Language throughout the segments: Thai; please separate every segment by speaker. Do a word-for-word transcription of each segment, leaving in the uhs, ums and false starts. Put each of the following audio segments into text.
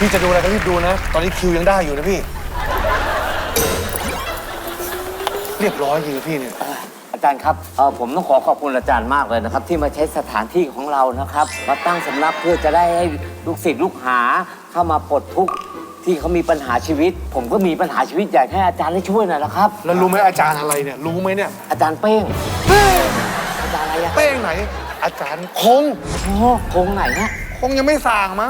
Speaker 1: พี่จะดูอะไรก็รีบดูนะ ตอนนี้คิวยังได้อยู่นะพี่ เรียบร้อยจริงพี่เนี่ย
Speaker 2: อาจารย์ครับเออผมต้องขอขอบคุณอาจารย์มากเลยนะครับ ที่มาใช้สถานที่ของเรานะครับมาตั้งสำนักเพื่อจะได้ให้ลูกศิษย์ลูกหาเข้ามาปลดทุกข์ที่เขามีปัญหาชีวิต ผมก็มีปัญหาชีวิตอยากให้อาจารย์ได้ช่วยหน่อยนะครับ
Speaker 1: แล้วรู้ไหมอาจารย์อะไรเนี่ย รู้ไหมเนี่ย
Speaker 2: อาจารย์เป้งอาจารย์อะไรอะ
Speaker 1: เป้งไหน อาจารย์คง
Speaker 2: โอ้คงไหนนะ
Speaker 1: คงยังไม่สั่งมั้ง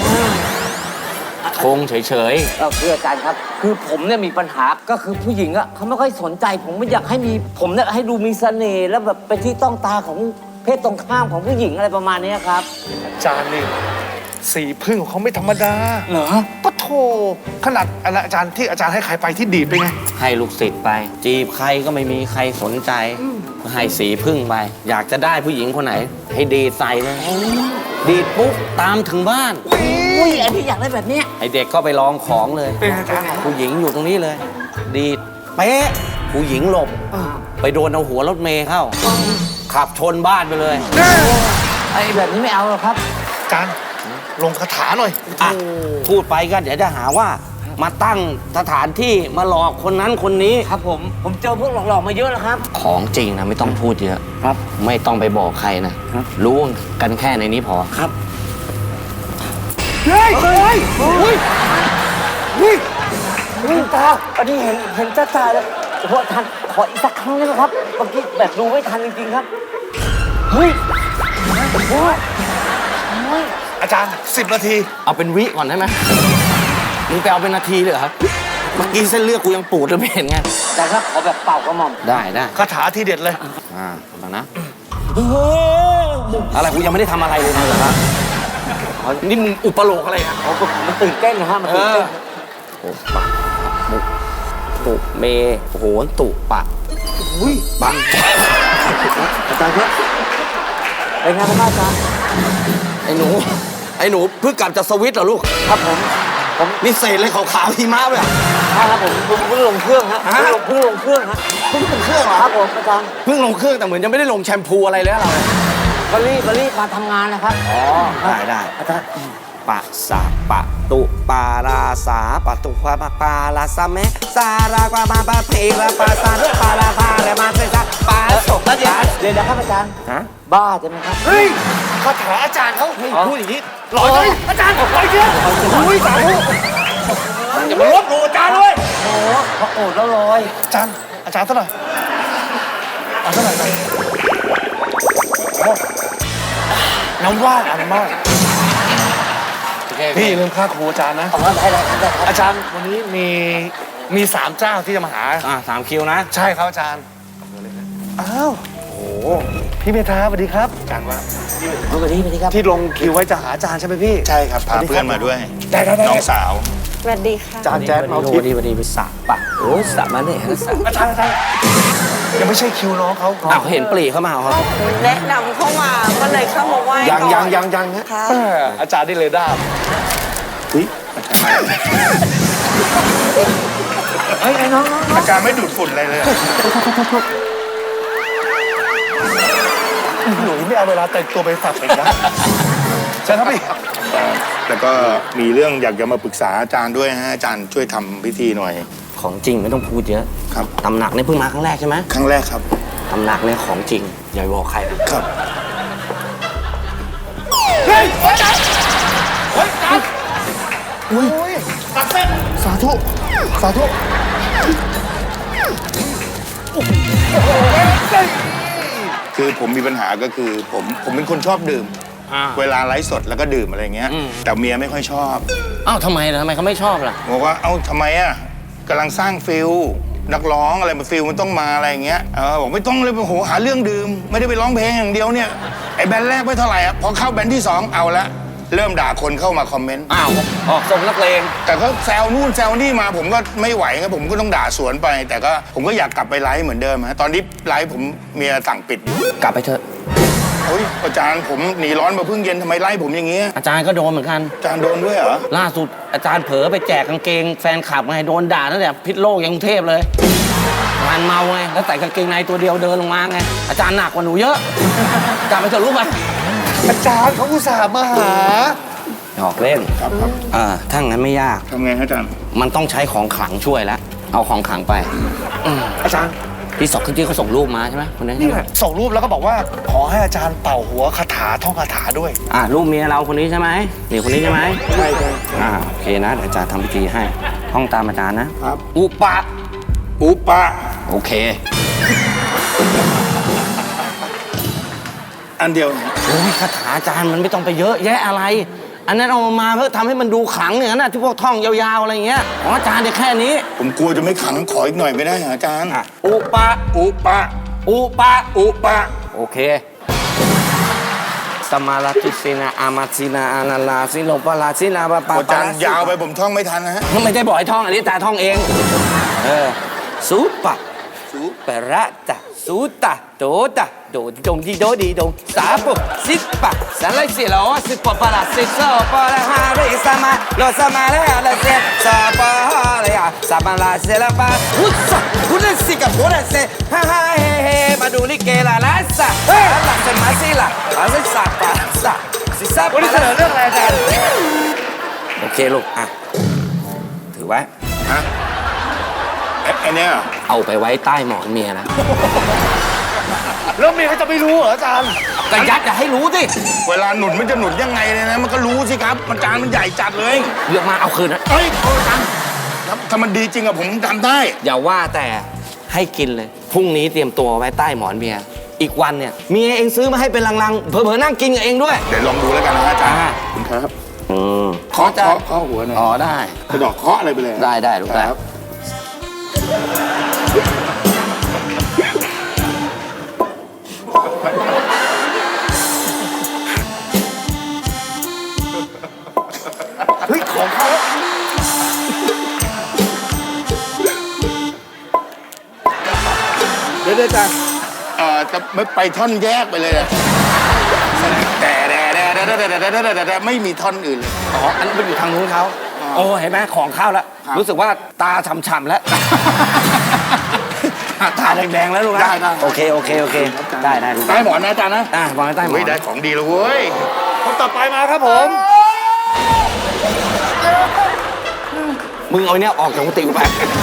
Speaker 3: คงเฉย
Speaker 2: เออคืออาจารย์ครับ คือผมเนี่ยมีปัญหาก็คือผู้หญิงอะเขาไม่ค่อยสนใจ ผมไม่อยากให้มีผมเนี่ยให้ดูมีเสน่ห์แล้วแบบเป็นที่ต้องตาของเพศตรงข้ามของผู้หญิงอะไรประมาณนี้ครับ
Speaker 1: อาจารย์นี่สีพึ่งของเขาไม่ธรรมดา
Speaker 2: เหรอ
Speaker 1: ปะโถขนาดอะไรอาจารย์ที่อาจารย์ให้ใครไปที่ดีดไปไง
Speaker 3: ๆ ให้ลูกศิษย์ไป จีบใครก็ไม่มีใครสนใจ ให้สีพึ่งไป อยากจะได้ผู้หญิงคนไหน ให้ดีดใส่เลย ดีดปุ๊บตามถึงบ้าน
Speaker 2: อุ้ยอันนี้อยากได้แบบเนี้ย
Speaker 3: ให้เด็กก็ไปลองของเลย
Speaker 1: เป็นอาจารย์
Speaker 3: ผู้หญิงอยู่ตรงนี้เลย ดีดเป๊ะผู้หญิงหลบ ไปโดนเอาหัวรถเมย์เข้า ขับชนบ้านไปเลย
Speaker 2: ไอ้แบบนี้ไม่เอาหรอกครับ
Speaker 1: อาจารย์ลงคาถาหน่อย
Speaker 3: อ่ะพูดไปก็เดี๋ยวจะหาว่า มาตั้งสถานที่มาหลอกคนนั้นคนนี้
Speaker 2: ครับผมผมเจอพวกหลอกๆมาเยอะแล้วครับ
Speaker 3: ของจริงนะไม่ต้องพูดเยอะ
Speaker 2: ครับ
Speaker 3: ไม่ต้องไปบอกใครนะ
Speaker 2: ครับ
Speaker 3: รู้กันแค่ในนี้พอ
Speaker 2: ครับ
Speaker 1: เฮ้ย เฮ้ยเฮ้ยเฮ้ย
Speaker 2: นี่ตาอันนี้เห็นเห็นจ้าตาเลยโอ้โหทันขออีกสักครั้งได้ไหมครับเมื่อกี้แบบดูไม่ทันจริงๆครับเฮ้ยโอ้โหโอ้ย
Speaker 1: อาจารย์สิบนาที
Speaker 3: เอาเป็นวิก่อนได้ไหมมึงไปเอาเป็นนาทีเลยเหรอครับ เมื่อกี้เส้นเลือดกูยังปูดเลยไม่เห็นไง
Speaker 2: แต่ถ้าขอแบบเป่ากระหม่อม
Speaker 3: ได้ได้
Speaker 1: คาถาทีเด็ดเลย
Speaker 3: อ่าฟังนะ อะไรกูยังไม่ได้ทำอะไรเลยนะเหรอครับนี่มึงอุปโลกอะไรอ่ะ
Speaker 2: โอ้โหมันตื่นเต้นนะฮะมันตื่นเต้น
Speaker 3: โอ้ปะมุกตุเมโหนตุปะ
Speaker 1: อุ้ย
Speaker 3: ปะ
Speaker 2: อาจารย์ครับเป็นไงบ้างครับอาจารย์
Speaker 3: ไอ้หนู ไอ้หนูเพิ่งกลับจากสวิตเหรอลูก
Speaker 2: ครับผมผม
Speaker 3: นี่เศษเลยขาวๆหิมะเลย
Speaker 2: ใช่ครับผมเพิ่งเพิ่งลงเครื่องฮะเพิ่งลงเพิ่งลงเครื่องฮะ
Speaker 3: เพิ่งลงเครื่องเหรอ
Speaker 2: ครับผมอาจารย์
Speaker 3: เพิ่งลงเครื่องแต่เหมือนยังไม่ได้ลงแชมพูอะไรเลยเราเนี่ย
Speaker 2: บรีบบรีบมาทำงานนะครับ
Speaker 3: อ๋อ ได้ได้
Speaker 2: อาจารย์
Speaker 3: ปะสะปะตุปาราสาปะตุปะปะปาลาสะเมสารากวามาปะเพระปะสาปาลาพาเรมาเซซะปาโสปะ
Speaker 2: เดี๋ยวเดี๋ยวนะครับอาจารย์
Speaker 3: ฮะ
Speaker 2: บ้าใช่ไหมครับ
Speaker 1: เฮ้ยคาถาอาจารย์เขาเฮ้ย
Speaker 2: อ๋อ
Speaker 1: พูดอย่างนี้หล่อเลยอาจารย์ไปเถอะอุ้ยสาธุ
Speaker 3: อย่ามาลบหลู่อาจารย์เลย
Speaker 2: โอ้โหพอโอดแล้วลอย
Speaker 1: อาจารย์อาจารย์เท่าไหร่เอาเท่าไหร่ไปโอ้น้ำว่านอ่ะน้ำว่านพี่อย่าลืมค่าครูอาจารย์นะ
Speaker 2: เอาได้ได้ได้ครับ
Speaker 1: อาจารย์วันนี้มีมีสามเจ้าที่จะมาหา
Speaker 3: อ่าสามคิวนะ
Speaker 1: ใช่ครับอาจารย์อ้าวโอ้โหพี่เมธาสวัสดีครับอาจารย์ว่า
Speaker 2: เอาไปดีไปดีครับ
Speaker 1: ที่ลงคิวไว้จะหาอาจารย์ใช่ไหมพี่
Speaker 4: ใช่ครับ พาเพื่อนมาด้วย
Speaker 1: ได้ได้ได้
Speaker 4: น้องสาว
Speaker 5: สวัสดีค่ะ
Speaker 1: อาจารย์แจ๊ดเมา
Speaker 3: ดี
Speaker 1: ทิพ
Speaker 3: ดี
Speaker 1: ย์
Speaker 3: ดีไปสะปะโอ้สะมาเนี่ยฮะสะ
Speaker 1: อาจารย์อาจารย์ยังไม่ใช่คิวน้องเขา
Speaker 3: อ้าวเห็นปลีเข้ามาเหรอครับ
Speaker 5: แนะนำเข้ามาก็เลยเข้ามาไหว้
Speaker 1: ยัง
Speaker 5: ก่อน
Speaker 1: ยังยังยังฮะ
Speaker 5: ค่ะ
Speaker 1: แม่อาจารย์นี่เลยได้
Speaker 4: อุ้ย
Speaker 2: เฮ้ยไอ้น้องน้องน้อง
Speaker 4: อาจารย์ไม่ดูดฝุ่นอะไรเลยอะ
Speaker 1: หนูไม่เอาเวลาแต่งตัวไปฝากเด็กนะใช่ครับพี่
Speaker 4: แล้วก็มีเรื่องอยากจะมาปรึกษาอาจารย์ด้วยฮะ อาจารย์ช่วยทำพิธีหน่อย
Speaker 3: ของจริงไม่ต้องพูดเยอะ
Speaker 4: ครับ
Speaker 3: ตำหนักนี่เพิ่งมาครั้งแรกใช่ไหม
Speaker 4: ครั้งแรกครับ
Speaker 3: ตำหนักเนี่ยของจริง อย่าไปบอกใครนะ
Speaker 4: ครับ
Speaker 1: เฮ้ยอาจารย์เฮ้ยอาจารย์อุ้ยตัดเส้นสาธุสาธุโอ้โหเฮ้ย
Speaker 4: คือผมมีปัญหาก็คือผมผมเป็นคนชอบดื่ม
Speaker 3: อ่า
Speaker 4: เวลาไลฟ์สดแล้วก็ดื่มอะไรเงี้ย
Speaker 3: อืม
Speaker 4: แต่เมียไม่ค่อยชอบ
Speaker 3: อ้าวทำไมล่ะทำไมเขาไม่ชอบล่ะ
Speaker 4: บอกว่า เอ้าทำไมอ่ะกำลังสร้างฟิลนักร้องอะไรมาฟิลมันต้องมาอะไรอย่างเงี้ย เออบอกไม่ต้องเลยโอ้โหหาเรื่องดื่ม ไม่ได้ไปร้องเพลงอย่างเดียวเนี่ย ไอ้แบนด์แรกไม่เท่าไหร่อ่ะ พอเข้าแบนด์ที่สองเอาละ เริ่มด่าคนเข้ามาคอมเมนต์
Speaker 3: อ้าวออกทรงนักเลง
Speaker 4: แต่ก็แซวนู่นแซวนี่มาผมก็ไม่ไหวครับผมก็ต้องด่าสวนไป แต่ก็ผมก็อยากกลับไปไลฟ์เหมือนเดิมฮะตอนนี้ไลฟ์ผมเมียสั่งปิดอยู่
Speaker 3: กลับไปเถอะ
Speaker 4: โอ้ยอาจารย์ผมหนีร้อนมาเพิ่งเย็นทำไมไล่ผมอย่างเงี้ย
Speaker 3: อาจารย์ก็โดนเหมือนกัน
Speaker 4: อาจารย์โดนด้วยเหรอ
Speaker 3: ล่าสุดอาจารย์เผลอไปแจกกางเกงแฟนคลับไงโดนด่าตั้งแต่พิษโลกยังกรุงเทพเลยงานเมาไงแล้วใส่กางเกงในตัวเดียวเดินลงมาไงอาจารย์หนักกว่าหนูเยอะกลับไปเถอะลูกไป
Speaker 1: อาจารย์เขาอุตส่าห์มาหา
Speaker 3: อหอกเล่น
Speaker 4: ครับครับ
Speaker 3: เออถ้างั้นไม่ยาก
Speaker 4: ทำไงฮะอาจารย์
Speaker 3: มันต้องใช้ของขลังช่วยแล้ว เอาของขลังไปอืม
Speaker 1: อาจารย์
Speaker 3: ที่สองที่เขาส่งรูปมาใช่ไหมคนนี้
Speaker 1: นี่แหละส่งรูปแล้วก็บอกว่าขอให้อาจารย์เป่าหัวคาถาท่องคาถาด้วย
Speaker 3: อ่ะรูปเมียเราคนนี้ใช่ไหมนี่คนนี้ใช่ไหม
Speaker 4: ใช่ครับ
Speaker 3: อ่าโอเคนะเดี๋ยวอาจารย์ทำพิธีให้ห้องตามอาจารย์นะครับ อุปะ
Speaker 4: อุปะ
Speaker 3: โอเค
Speaker 4: อันเดียว
Speaker 3: โอ้ยคาถาอาจารย์มันไม่ต้องไปเยอะแยะอะไร อันนั้นเอามาเพื่อทำให้มันดูขลังอย่างนั้นนะที่พวกท่องยาวๆอะไรอย่างเงี้ยของอาจารย์เนี่ยแค่นี้
Speaker 4: ผมกลัวจะไม่ขังขออีกหน่อยไม่ได้เหรออาจารย์
Speaker 3: อ่ะอุปะ
Speaker 4: อุปะ
Speaker 3: อุปะ
Speaker 4: อุปะ
Speaker 3: โอเคสมาลาติสินาอามาสินาอานาลาสิโลปาลาสินาปะปะ
Speaker 4: อาจารย์ยาวไปผมท่องไม่ทันนะฮะ
Speaker 3: ไม่ได้บอกให้ท่องอันนี้อาจารย์ท่องเองเออสุปะสุปะระตะสุตะโดตะโดดงดีโดดีดงสาปุสิปะสารสิโลสิปะปะละสิโซปะละฮาริสมาโลสมาละละเซสาปะฮาเลยอะสาปะละเซละปะอุสะอุนสิกะโบละเซฮ่าฮ่าเฮเฮมาดูลิเกละละสะละเซมาสิละละสิสาปะสะสิสา
Speaker 1: วัน
Speaker 3: ปะ
Speaker 1: นี้เสนอเรื่องอะไรอาจารย์
Speaker 3: โอเคลูกอ่ะถือไว้
Speaker 4: ฮะไอ้ไอ้เนี่ยเหรอ
Speaker 3: เอาไปไว้ใต้หมอนเมียนะ
Speaker 1: แล้วเมียเขาจะไม่รู้เหรออาจารย์
Speaker 3: ก็ยัดอย่าให้รู้สิ
Speaker 4: เวลาหนุนมันจะหนุนยังไงเลยนะ มันก็รู้สิครับ มันจานมันใหญ่จัดเลย
Speaker 3: เลือกมาเอาคืนนะ
Speaker 4: เอ้ยโอ้อาจารย์ครับถ้ามันดีจริงอะผมทำได้
Speaker 3: อย่าว่าแต่ให้กินเลย พรุ่งนี้เตรียมตัวไว้ใต้หมอนเมีย อีกวันเนี่ยเมียเองซื้อมาให้เป็นลังๆ เผลอๆนั่งกินกับเองด้วย
Speaker 4: เดี๋ยวลองดูแล้วกันนะอาจารย์
Speaker 3: อ่า
Speaker 4: ขอบคุณครับ
Speaker 3: อืม
Speaker 4: เคาะเคาะเคาะหัวหน่อย
Speaker 3: อ๋อได้
Speaker 4: กระดอกเคาะอะไรไปเลย
Speaker 3: ได้ได้ลูกได้
Speaker 4: ครับ
Speaker 1: เฮ้ย ของเขา
Speaker 4: เดี๋ยวอาจารย์เอ่อจะไม่ไปท่อนแยกไปเลยอะแต่แต่แต่แต่แต่แต่แต่แต่แต่ไม่มีท่อนอื่นเลย
Speaker 3: อ๋ออันนั้นมันอยู่ทางนู้นเขา
Speaker 4: อ๋อ
Speaker 3: โอ้เห็นไหมของเข้าแล้ว
Speaker 4: ครับ
Speaker 3: รู้สึกว่าตาฉ่ำๆแล้ว ตาแดงๆแล้วลูกนะ
Speaker 4: ได้ได้
Speaker 3: โอเคโอเคโอเคได้ได้ลูก
Speaker 4: ใต้หมอนนะอาจารย์นะ
Speaker 3: อ่ะวางไว้ใต้หมอ
Speaker 4: เฮ้ย
Speaker 3: น
Speaker 4: ได้ของดีแล้วเว้ย
Speaker 1: คนต่อไปมาครับผม
Speaker 3: มึงเอาเนี่ยออกจากกุฏิกูไป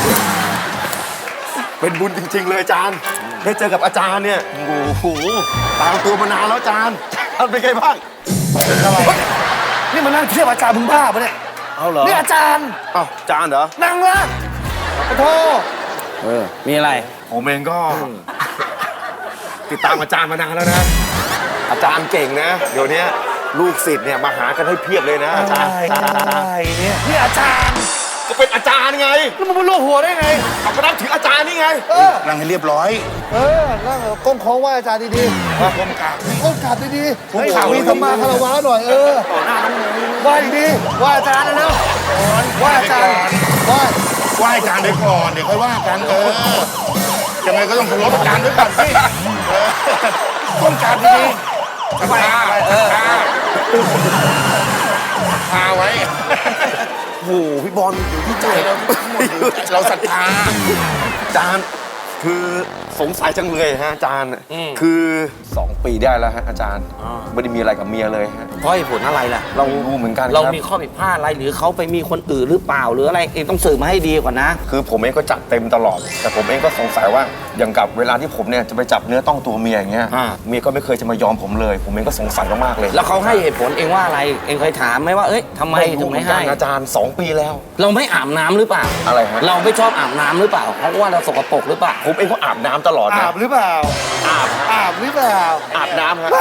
Speaker 6: เป็นบุญจริง ๆ เลยอาจารย์ ได้เจอกับอาจารย์เนี่ย โอ้โห ตามตัวมานานแล้วอาจารย์อาจารย์เป็นไงบ้าง
Speaker 1: นี่มันนั่งเทียบอาจารย์มึงบ้าปะเนี่ย
Speaker 6: เอาเหรอ
Speaker 1: นี่อาจารย์
Speaker 6: อ้าวอาจารย์เหรอ
Speaker 1: นั่งละขอโทษ
Speaker 3: เออมีอะไร
Speaker 6: ผมเองก็ ติดตามอาจารย์มานานแล้วนะ อาจารย์เก่งนะ เดี๋ยวนี้ลูกศิษย์เนี่ยมาหากันให้เพียบเลยนะอาจารย์
Speaker 1: อะไรเนี่ยนี่อาจารย์
Speaker 6: ก็เป็นอาจารย์ไง
Speaker 1: แล้วมึงมาลวกหัวได้ไง
Speaker 6: เอาก็นับถืออาจารย์นี่ไง
Speaker 1: เออ
Speaker 4: นั่งให้เรียบร้อย
Speaker 1: เออ นั่งก้มโค้งไหว้อาจารย์ดีๆ
Speaker 4: ก้มกราบ
Speaker 1: ก้มกราบดีๆให้ข่าวมีธรรมาคารวะหน่อย เออไหว้ดีๆไหว้อาจารย์เร็วๆไหว้อาจารย์ไหว้
Speaker 4: ไหว้อาจารย์ไปก่อน เดี๋ยวค่อยว่ากัน เออ ยังไงก็ต้องเคารพอาจารย์ด้วยก่อนสิเออก้มกราบดีๆศรัทธาศรัทธาพาไว้
Speaker 6: โอ้โห พี่บอลอยู่ที่ใจเรา
Speaker 4: เราศรัทธา
Speaker 6: อาจารย์ คือสงสัยจังเลยฮะอาจารย์คือสองปีได้แล้วฮะอาจารย์ไม่ได้มีอะไรกับเมียเลยฮะ
Speaker 3: เพราะเหตุผลอะไรล่ะ เรา
Speaker 6: ไม่รู้เหมือนกัน
Speaker 3: เรา
Speaker 6: ครับ
Speaker 3: มีข้อผิดพลาดอะไรหรือเขาไปมีคนอื่นหรือเปล่าหรืออะไรเองต้องสืบมาให้ดีก่อนนะ
Speaker 6: คือผมเองก็จัดเต็มตลอด แต่ผมเองก็สงสัยว่าอย่างกับเวลาที่ผมเนี่ยจะไปจับเนื้อต้องตัวเมียอย่างเงี้ย
Speaker 3: อ่า
Speaker 6: เมียก็ไม่เคยจะมายอมผมเลย ผมเองก็สงสัยมากๆเลย
Speaker 3: แล้วเขาให้เหตุผลเองว่าอะไรเองเคยถามไหมว่าเอ้ยทำไมถึงไม่ให้
Speaker 6: อาจารย์สองปีแล้ว
Speaker 3: เราไม่อาบน้ำหรือเปล่า
Speaker 6: อะไรฮะ
Speaker 3: เราไม่ชอบอาบน้ำหรือเปล่าเพราะว่าเราสกปรกหรือเปล่า
Speaker 6: ผมเองก็อาบน้ำตลอดนะ
Speaker 1: อาบหรือเปล่า
Speaker 6: อาบ
Speaker 1: อาบหรือเปล่า
Speaker 6: อาบน้ำครับ
Speaker 1: ไม่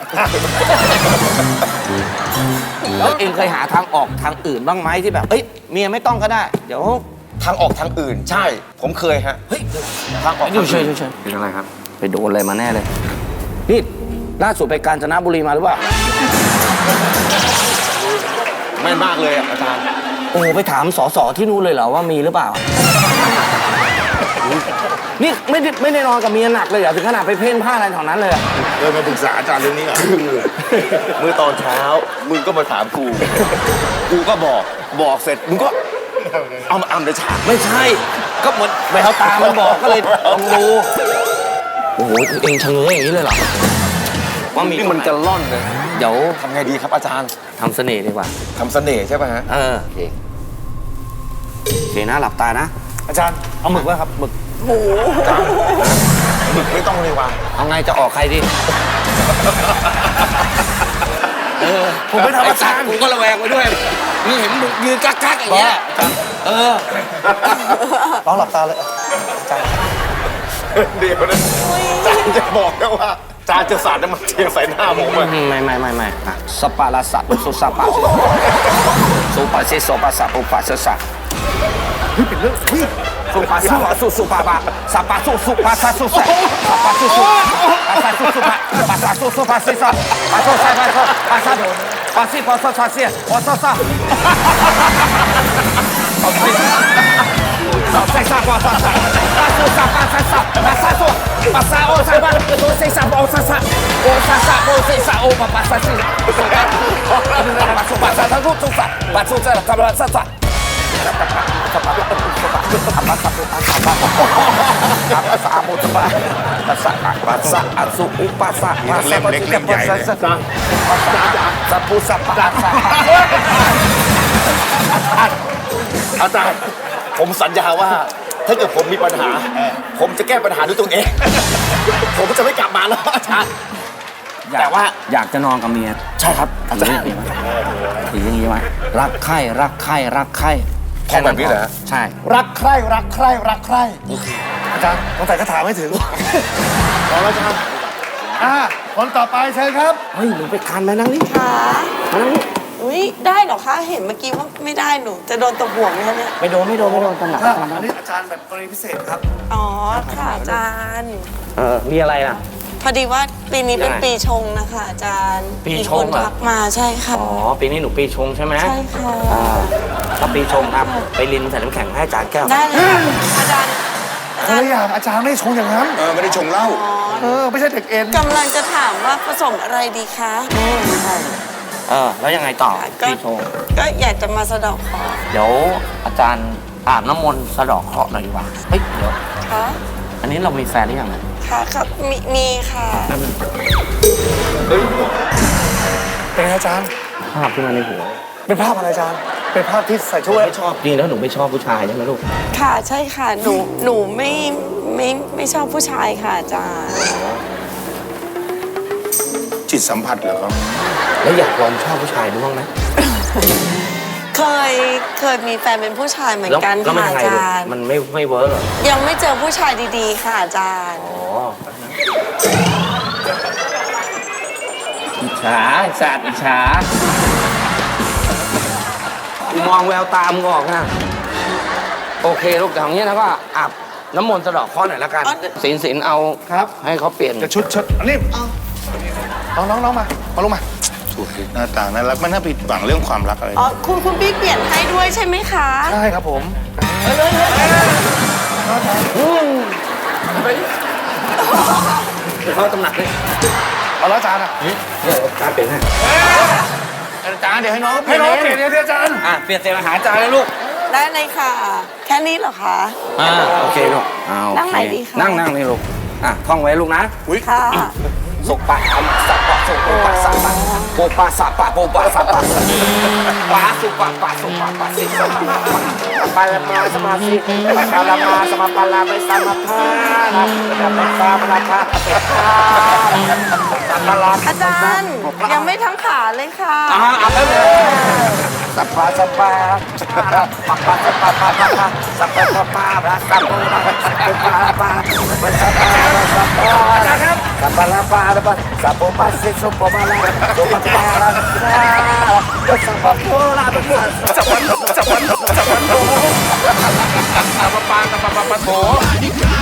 Speaker 3: แล้วเองเคยหาทางออกทางอื่นบ้างไหมที่แบบเอ้ยเมียไม่ต้องก็ได้ เดี๋ยว
Speaker 6: ทางออกทางอื่น ใช่ ผมเคยฮะ
Speaker 3: เฮ้ย
Speaker 6: ทางออก
Speaker 3: เดี๋ยวเฉยเฉย
Speaker 6: เป็นอะไรครับ
Speaker 3: ไปโดนอะไรมาแน่เลยนี่ล่าสุดไปกาญจนบุรีมาหรือเปล่า
Speaker 6: ไม่มากเลยอะอาจารย์
Speaker 3: โอ้ไปถามสสที่นู่นเลยเหรอว่ามีหรือเปล่า นี่ไม่ได้ไม่ได้นอนกับเมียหนักเลยเหรอถึงขนาดไปเพ่นผ้าอะไรแถวนั้นเลยอะ
Speaker 4: เออมาปรึกษาอาจารย์เรื่องนี้ก่อน
Speaker 6: เมื่อตอนเช้า มึงก็มาถามกู กูก็บอก บอกเสร็จ มึงก็เอามาอำในฉาก
Speaker 3: ไม่ใช่ ก็เหมือนแววตามันบอกก็เลยลองดูโอ้โหเองชะเง้ออย่างนี้เลยเหรอว่ามี
Speaker 6: นี่มันจะล่อนเลย
Speaker 3: เดี๋ยว
Speaker 6: ทำไงดีครับอาจารย์
Speaker 3: ทำเสน่ห์ดีกว่า
Speaker 6: ทำเสน่ห์ใช่ป่ะฮะ
Speaker 3: เออโอเคโอเคนะหลับตานะ
Speaker 1: อาจารย์เอาหมึกไว้ครับหมึก
Speaker 6: หมึกไม่ต้องเลยว่ะ
Speaker 3: เอาไงจะออกใครดี
Speaker 1: ผมไม่ทำอาจารย์
Speaker 3: ผมก็ระแวงไปด้วยนี่เห็นมึงยืนกักกักๆอย่างเงี้ยเออ
Speaker 1: ลองหลับตาเลยอาจารย์
Speaker 6: เดี๋ยวนะอาจารย์จะบอกนะว่าอาจารย์จะสาดน้ำมันเทียนใส่หน้าผมอะ
Speaker 3: ไม่ไม่ไม่ไม่อ่ะสปาลาสัตสุสปาสุปาเซโซปาสัปุปาเซสะเฮ้ยเป็นเรื่องเฮ้ยสุปาสุสุสุปาปาสัปาสุสุปาซาสุเซสัปาสุสุปาซาสุสุปาปาซาสุสุปาเซสะปาโซซาปาโซปาซาปาซิปาโซซาเซียปาโซซาใส่ซาปาซาซาปาสุซาปาซาซาปาซาโซปาซาโอซาปาโซเซซาโอซาซาโอซาซาโอเซซาโอปาปาซาซิปาสุปาปาสุปาซาทารุสุซาปาสุซาทารุซาซาปาปาปาสุปาปาปาซาโมตปาปาซาปาซาอสุอุปาซาปาซาปาซิกปาซาซาซาปุซาปาซา
Speaker 6: อาจารย์ผมสัญญาว่า ถ้าเกิดผมมีปัญหา ผมจะแก้ปัญหาด้วยตัวเอง ผมจะไม่กลับมาแล้วอาจารย์ แต่ว่า
Speaker 3: อยากจะนอนกับเมีย
Speaker 6: ใช่ครับอาจารย์
Speaker 3: ถืออย่างนี้ไว้รักใคร่รักใคร่รักใคร่
Speaker 6: ท่องแบบนี้เหรอฮะ
Speaker 3: ใช่
Speaker 1: รักใคร่รักใคร่รักใคร่อาจารย์ต้องใส่คาถาไม่ถึงพอแล้วอาจารย์อ่าคนต่อไปเชิญครับ
Speaker 3: เฮ้ยหนูไปคันมานั่งนี่
Speaker 5: ค่ะ
Speaker 3: มานั่งนี่
Speaker 5: อุ้ยได้เหรอคะ เห็นเมื่อกี้ว่าไม่ได้หนู จะโดนตบหัวไหมคะเนี่ย
Speaker 3: ไม่โดนไม่โดนไม่โดนตำหนัก
Speaker 1: อ่ะ
Speaker 3: ตำหนั
Speaker 1: อั
Speaker 3: ก
Speaker 1: นนี้อาจารย์แบบกรณีพิเศษครับ
Speaker 5: อ๋อ ค่ะอาจารย์
Speaker 3: เออมีอะไรล่ะ
Speaker 5: พอดีว่าปีนี้เป็น
Speaker 3: ยังไง
Speaker 5: ปีชงนะคะอาจารย์
Speaker 3: ปีชง
Speaker 5: มีคน
Speaker 3: เหรอ
Speaker 5: ทักมาใช่ค่ะ
Speaker 3: อ๋อปีนี้หนูปีชงใช่ไหม
Speaker 5: ใช่ค่ะ
Speaker 3: อ่าถ้าปีชงครับไปลินใส่น้ำแข็งให้อาจารย์แก้ว
Speaker 5: ได้เลยค่ะอาจารย์อา
Speaker 1: ค
Speaker 5: จาร
Speaker 1: น
Speaker 5: ย์
Speaker 1: ละอย่างอาจารย์ไม่ชงอย่างนั้น
Speaker 4: เออไม่ได้ชงเหล้า
Speaker 1: เออ ไม่ใช่เด็กเอ็น
Speaker 5: กำลังจะถามว่าผสมอะไรดีคะอืมใช่
Speaker 3: เออแล้วยังไงต่อ
Speaker 5: ก็
Speaker 3: ปีชง
Speaker 5: ก็อยากจะมาสะเดอกขอ
Speaker 3: เดี๋ยวอาจารย์อาบน้ำมนต์สะเดอกเคราะห์หน่อยดีกว่าเฮ้ยเดี๋ยว
Speaker 5: ค่ะ
Speaker 3: อันนี้เรามีแฟนหรือยังเนี่ย
Speaker 5: ค่ะครับมีมีค่ะ
Speaker 1: เป็นไงอาจารย์
Speaker 3: ภาพขึ้นมาในหัว
Speaker 1: เป็นภาพอะไรอาจารย์ เป็นภาพที่ใส่ช่วย
Speaker 3: ไม่ชอบจริงแล้วหนูไม่ชอบผู้ชายใช่ไหมลูก
Speaker 5: ค่ะใช่ค่ะหนูหนูไม่ไม่ไม่ชอบผู้ชายค่ะอาจารย์
Speaker 4: จิตสัมผัสเหรอครับ
Speaker 3: แล้วอยากลองชอบผู้ชายดูบ้างไหม
Speaker 5: เคยเคยมีแฟนเป็นผู้ชายเหมือน
Speaker 3: แล้ว
Speaker 5: กัน
Speaker 3: แล้วมัน
Speaker 5: ค่ะ
Speaker 3: ยังไง
Speaker 5: อา
Speaker 3: ลูก
Speaker 5: จารย์
Speaker 3: มันไม่ไม่เวิร์กเหรอ
Speaker 5: ยังไม่เจอผู้ชายดีๆ ค่ะอาจารย์
Speaker 3: อ๋ออิจฉาสัตว์อิจฉา มองแววตามงออกนะ โอเคลูกแต่ของนี้นะก็อาบน้ำมนต์สะเดอกเคราะห์หน่อยละกัน
Speaker 5: อ๋อ
Speaker 3: ศีลศีลเอา
Speaker 1: ครับ
Speaker 3: ให้เขาเปลี่ยน
Speaker 1: จะชุดชุดอันนี้น้องน้องน้องมา มาลงมา
Speaker 4: ถูกหน้าต่างนั้นรักมันน่าผิดหวังเรื่องความรักอะไร
Speaker 5: อ๋อคุณคุณพี่เปลี่ยนให้ด้วยใช่ไหมคะ
Speaker 1: ใช่ครับผม
Speaker 3: เขาตำหนักเลย
Speaker 1: เอาแล้วอาจารย์อ่ะ
Speaker 3: เดี๋ยวการเปลี่ยนให้
Speaker 4: อาจารย์เดี๋ยวให้น้อง
Speaker 1: ให้น้องเปลี่ยนเนี่ยอาจารย์
Speaker 3: อ่ะเปลี่ยนเสียงอาหารจานเลยลูก
Speaker 5: ได้เลยค่ะ แค่นี้เหรอคะ
Speaker 3: อ่าโอเคลูกเอาโอ
Speaker 5: นั่ง
Speaker 3: เค
Speaker 5: ไหนดีคะ
Speaker 3: นั่งนั่งนี่ลูกอ่ะท่องไว้ลูกนะ
Speaker 5: ค่ะ
Speaker 3: สุปะอัมสัปปะสุโปปะสัปปะโปปะสัปปะโปปะสัปปะปะสุปะปะสุปะปะสิสัปปะปะละมาสมาสิปะละมาสมาปะลาไปสมาพานะปะปะปะปะปะเป็ดปะสัปปะลา
Speaker 5: อาจารย์ยังไม่ทั้งขาเลยค่ะ
Speaker 3: อ่าเอาไปเลยสัปปะสัปปะปะปะปะปะปะปะปะสัปปะปะปะปะสัปปะปะปะปะปะปะสัปปะสัปปะครับสัปปะละปะละปะสัปปะสิสุปะละสุปะปะละสัปปะโพละปะสัปปะสัปปะสัปปะโพสัปปะปะสัปปะปะโถ